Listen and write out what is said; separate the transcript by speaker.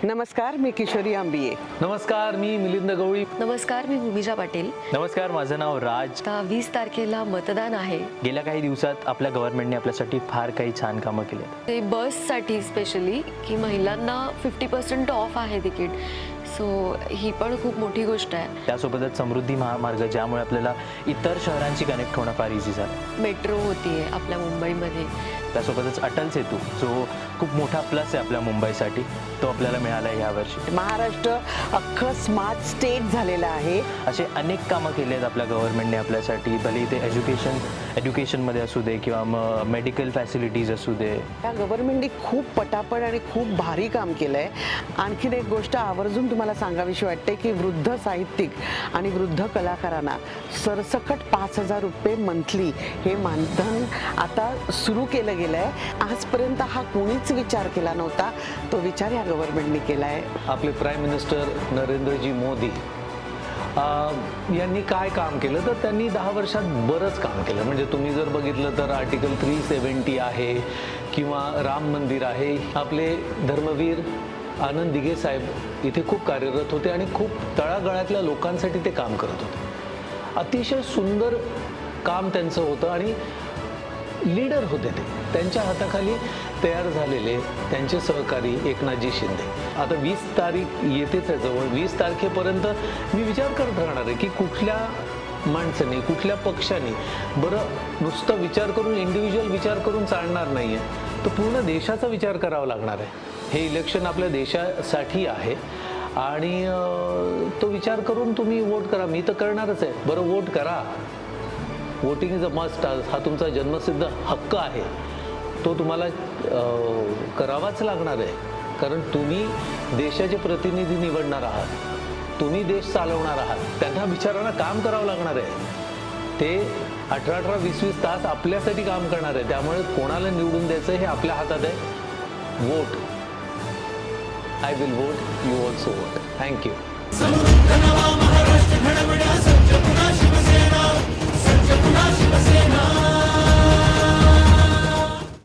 Speaker 1: नमस्कार, मी किशोरी आंबिये.
Speaker 2: नमस्कार, मी मिलिंद गवळी.
Speaker 3: नमस्कार, मी भूमिजा पाटील.
Speaker 2: नमस्कार, माझं नाव राज.
Speaker 3: आता 20 तारखेला मतदान आहे.
Speaker 2: गेल्या काही दिवसात आपल्या गव्हर्नमेंटने आपल्यासाठी फार काही छान कामं केली आहेत.
Speaker 3: ते बससाठी स्पेशली की महिलांना 50% ऑफ आहे तिकीट. सो ही पण खूप मोठी गोष्ट आहे.
Speaker 2: त्यासोबतच समृद्धी महामार्ग, ज्यामुळे आपल्याला इतर शहरांशी कनेक्ट होणं फार इझी झालं.
Speaker 3: मेट्रो होतीये आपल्या मुंबईमध्ये.
Speaker 2: त्यासोबतच अटल सेतू, जो खूप मोठा प्लस आहे आपल्या मुंबईसाठी, तो आपल्याला मिळाला आहे यावर्षी.
Speaker 1: महाराष्ट्र अख्खं स्मार्ट स्टेट झालेलं आहे.
Speaker 2: असे अनेक कामं केली आहेत आपल्या गव्हर्नमेंटने आपल्यासाठी. भले ते एज्युकेशनमध्ये असू दे किंवा मग मेडिकल फॅसिलिटीज असू दे.
Speaker 1: या गव्हर्नमेंटने खूप पटापट आणि खूप भारी काम केलं आहे. आणखीन एक गोष्ट आवर्जून तुम्हाला सांगावीशी वाटते की वृद्ध साहित्यिक आणि वृद्ध कलाकारांना सरसकट 5,000 रुपये मंथली हे मानधन आता सुरू केलं गेलं आहे. आजपर्यंत हा कोणीच विचार केला नव्हता. तो विचार या गव्हर्नमेंटने केला आहे.
Speaker 4: आपले प्राईम मिनिस्टर नरेंद्रजी मोदी यांनी काय काम केलं, तर त्यांनी 10 वर्षात बरंच काम केलं. म्हणजे तुम्ही जर बघितलं तर आर्टिकल 370 आहे किंवा राम मंदिर आहे. आपले धर्मवीर आनंद दिघे साहेब इथे खूप कार्यरत होते आणि खूप तळागाळातल्या लोकांसाठी ते काम करत होते. अतिशय सुंदर काम त्यांचं होतं आणि लीडर होते ते. त्यांच्या हाताखाली तयार झालेले त्यांचे सहकारी एकनाथजी शिंदे. आता 20 तारीख येतेच आहे जवळ. 20 तारखेपर्यंत मी विचार करत राहणार आहे की कुठल्या माणसाने, कुठल्या पक्षाने, बरं नुसतं विचार करून, इंडिव्हिज्युअल विचार करून चालणार नाही आहे, तर पूर्ण देशाचा विचार करावा लागणार आहे. हे इलेक्शन आपल्या देशासाठी आहे आणि तो विचार करून तुम्ही वोट करा. मी तर करणारच आहे. बरं, वोट करा. Voting is a must. हा तुमचा जन्मसिद्ध हक्क आहे. तो तुम्हाला करावाच लागणार आहे. कारण तुम्ही देशाचे प्रतिनिधी निवडणार आहात. तुम्ही देश चालवणार आहात. त्यांना बिचारांना काम करावं लागणार आहे. ते 18-18, 20-20 तास आपल्यासाठी काम करणार आहे. त्यामुळे कोणाला निवडून द्यायचं हे आपल्या हातात आहे. Vote. I will vote. You also vote. Thank you.